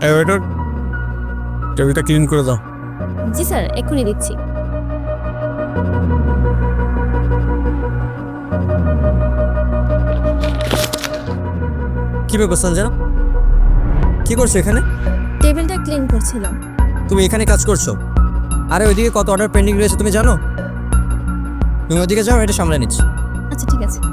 এই ওয়েটার, টেবিলটা ক্লিন করে দাও। জি স্যার, এক্ষুনি দিচ্ছি। কি ব্যাপার সঞ্জনা, কি করছো এখানে? টেবিলটা ক্লিন করছিলাম। তুমি এখানে কাজ করছো? আরে ওইদিকে কত অর্ডার পেন্ডিং রয়েছে তুমি জানো? তুমি ওইদিকে যাও, এটা সামলে নিচ্ছি। আচ্ছা ঠিক আছে।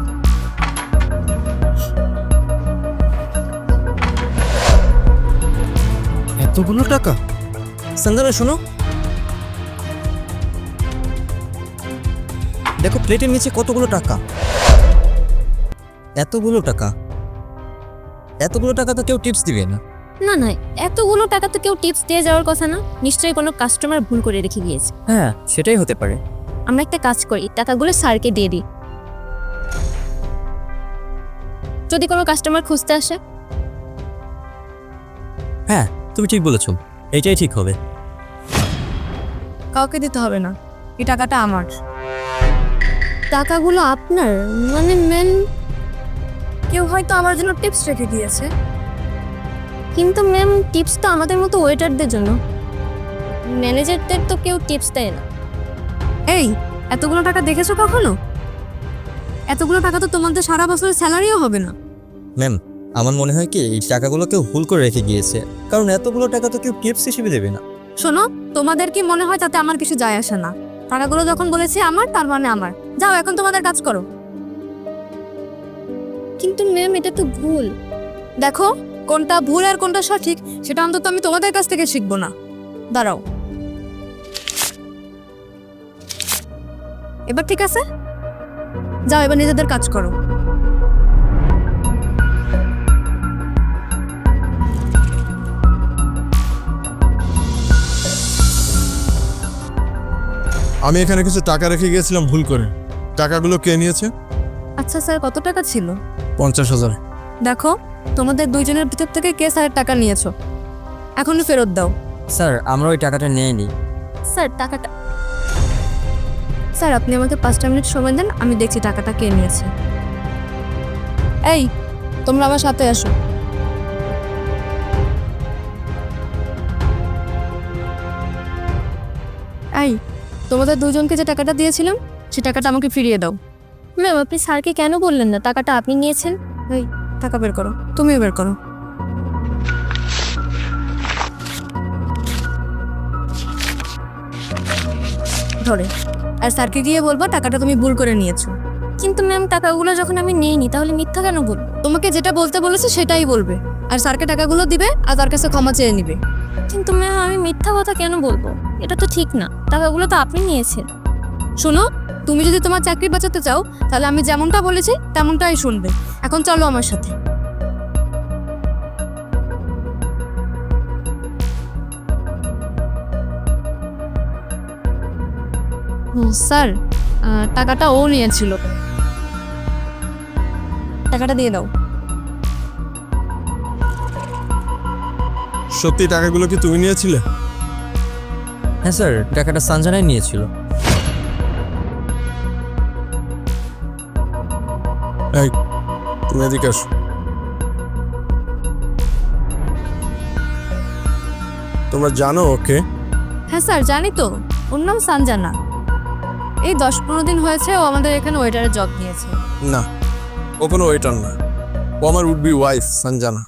এতগুলো টাকা? সঞ্জনা শোনো, দেখো প্লেটের নিচে কতগুলো টাকা। এতগুলো টাকা, এতগুলো টাকা তো কেউ টিপস দিবে না। না না, এতগুলো টাকা তো কেউ টিপস দিয়ে যাওয়ার কথা না। নিশ্চয়ই কোনো কাস্টমার ভুল করে রেখে গিয়েছে। হ্যাঁ, সেটাই হতে পারে। আমরা একটা কাজ করি, টাকাগুলো স্যারকে দিয়ে দিই। যদি কোনো কাস্টমার খুঁজতে আসে। হ্যাঁ, তুমি ঠিক বলেছো, এইটাই ঠিক হবে। কাউকে দিতে হবে না, এই টাকাটা আমার। টাকাগুলো আপনার মানে ম্যাম? কেউ হয়তো আমার জন্য টিপস রেখে দিয়েছে। কিন্তু ম্যাম, টিপস তো আমাদের মতো ওয়েটারদের জন্য, ম্যানেজারদের তো কেউ টিপস দেয় না। এই, এতগুলো টাকা দেখেছো কখনো? এতগুলো টাকা তো তোমাদের সারা বছরের স্যালারিও হবে না। ম্যাম, আমার মনে হয় কি এই টাকাগুলো কেউ ভুল করে রেখে গিয়েছে, কারণ এতগুলো টাকা তো কেউ টিপস হিসেবে দেবে না। শোনো, তোমাদের কি মনে হয় তাতে আমার কিছু যায় আসে না? টাকাগুলো যখন বলেছি আমার, তার মানে আমার। যাও এখন তোমাদের কাজ করো। কিন্তু ম্যাম, এটা তো ভুল। দেখো, কোনটা ভুল আর কোনটা সঠিক সেটা অন্তত আমি তোমাদের কাছ থেকে শিখবো না। দাঁড়াও, এবার ঠিক আছে? যাও এবার নিজেদের কাজ করো। আমি এখানে কিছু টাকা রেখে গিয়েছিলাম ভুল করে। টাকাগুলো কে নিয়েছে? আচ্ছা স্যার, কত টাকা ছিল? 50,000। দেখো, তোমাদের দুইজনের ভিতর থেকে কে স্যারের টাকা নিয়েছো, এখনই ফেরত দাও। স্যার, আমরা ওই টাকাটা নিয়ে নিই। স্যার, টাকাটা। স্যার, আপনি আমাকে 5টা মিনিট সময় দেন, আমি দেখছি টাকাটা কে নিয়েছে। এই, তোমরা আমার সাথে আসো। এই, তোমাদের দুজনকে যে টাকাটা দিয়েছিলাম সে টাকাটা আমাকে ফিরিয়ে দাও। ম্যাম, আপনি স্যারকে কেন বললেন না টাকাটা আপনি নিয়েছেন? এই, টাকা বের করো, তুমিও বের করো। ধরে, আর স্যারকে গিয়ে বলবো টাকাটা তুমি ভুল করে নিয়েছো। কিন্তু ম্যাম, টাকাগুলো যখন আমি নিইনি তাহলে মিথ্যা কেন বলবো? তোমাকে যেটা বলতে বলেছে সেটাই বলবে, আর স্যারকে টাকাগুলো দিবে আর তার কাছে ক্ষমা চেয়ে নিবে। কিন্তু ম্যাম, আমি মিথ্যা কথা কেন বলবো? এটা তো ঠিক না। টাকাগুলো তো আপনি নিয়েছেন। শোনো, তুমি যদি তোমার চাকরি বাঁচাতে চাও তাহলে আমি যেমনটা বলেছি তেমনটাই শুনবে। এখন চলো আমার সাথে। স্যার, টাকাটা ও নিয়েছিল, টাকাটা দিয়ে দাও। সত্যি টাকাগুলো কি তুমি নিয়েছিলে? হ্যাঁ স্যার, টাকাটা সঞ্জনাই নিয়েছিল। এই, তুমি এদিকে আসো। তোমরা জানো ওকে? হ্যাঁ স্যার, জানি তো, ওর নাম সঞ্জনা। এই 10-15 দিন হয়েছে ও আমাদের এখানে ওয়েটারের জব নিয়েছে। না, ও কোনো ওয়েটার না, ও আমার উড বি ওয়াইফ সঞ্জনা।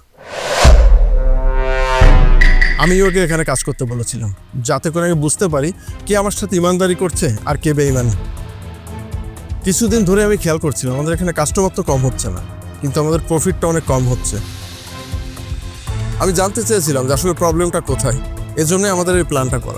আমি ওকে এখানে কাজ করতে বলেছিলাম যাতে করে আমি বুঝতে পারি কে আমার সাথে ইমানদারি করছে আর কে বেঈমানি। কিছুদিন ধরে আমি খেয়াল করছিলাম আমাদের এখানে কাস্টমার তো কম হচ্ছে না, কিন্তু আমাদের প্রফিটটা অনেক কম হচ্ছে। আমি জানতে চেয়েছিলাম যে আসলে প্রবলেমটা কোথায়, এজন্যই আমাদের এই প্ল্যানটা করা।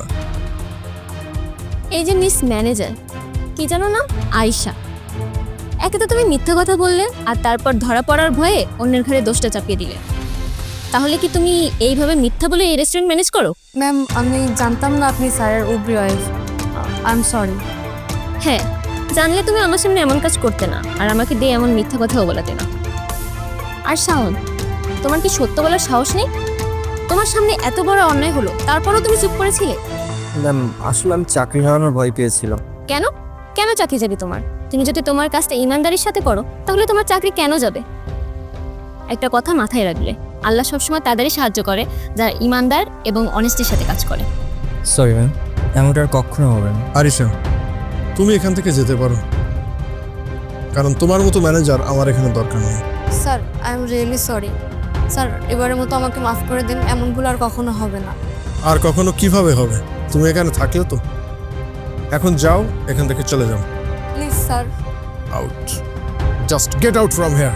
এই যে মিস ম্যানেজার, কি জানো না, আয়শা। একে তো তুমি মিথ্যা কথা বললে, আর তারপর ধরা পড়ার ভয়ে অন্যের ঘরে দোষটা চাপিয়ে দিলে। তাহলে কি তুমি এইভাবে মিথ্যা বলে এই রেস্টুরেন্ট ম্যানেজ করো? ম্যাম, আমি জানতাম না আপনি স্যারের would be wife. I am sorry. হ্যাঁ, জানলে তুমি আমার সামনে এমন কাজ করতে না, আর আমাকে দিয়ে এমন মিথ্যা কথাও বলাতে না। আর শাওন, তোমার কি সত্য বলার সাহস নেই? তোমার সামনে এত বড় অন্যায় হলো, তারপরও তুমি চুপ করেছিলে। ম্যাম, আসলে আমি চাকরি হারানোর ভয় পেয়েছিলাম। কেন? কেন চাকরি যাবে তোমার? তুমি যদি তোমার কাজটা ইমানদারির সাথে করো তাহলে তোমার চাকরি কেন যাবে? একটা কথা মাথায় রাখলে, আল্লাহ সবসময় তাদেরই সাহায্য করে যারা ইমানদার এবং অনেস্টির সাথে কাজ করে। সরি ম্যাম, এমনটা আর কখনো হবে না। আরিশা, তুমি এখান থেকে যেতে পারো, কারণ তোমার মতো ম্যানেজার আমার এখানে দরকার নেই। Sir I am really sorry sir, এবারের মতো আমাকে মাফ করে দিন, এমন ভুল আর কখনো হবে না। আর কখনো কিভাবে হবে? তুমি এখানে থাকলে তো। এখন যাও, এখান থেকে চলে যাও। Please sir. Out, just get out from here.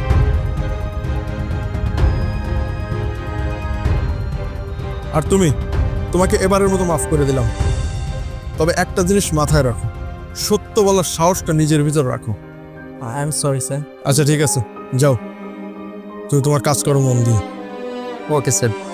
আর তোমাকে এবারের মতো মাফ করে দিলাম, তবে একটা জিনিস মাথায় রাখো, সত্য বলার সাহসটা নিজের ভিতর রাখো। I am sorry sir. আচ্ছা ঠিক আছে, যাও, তুমি তোমার কাজ করো মন দিয়ে। Okay sir.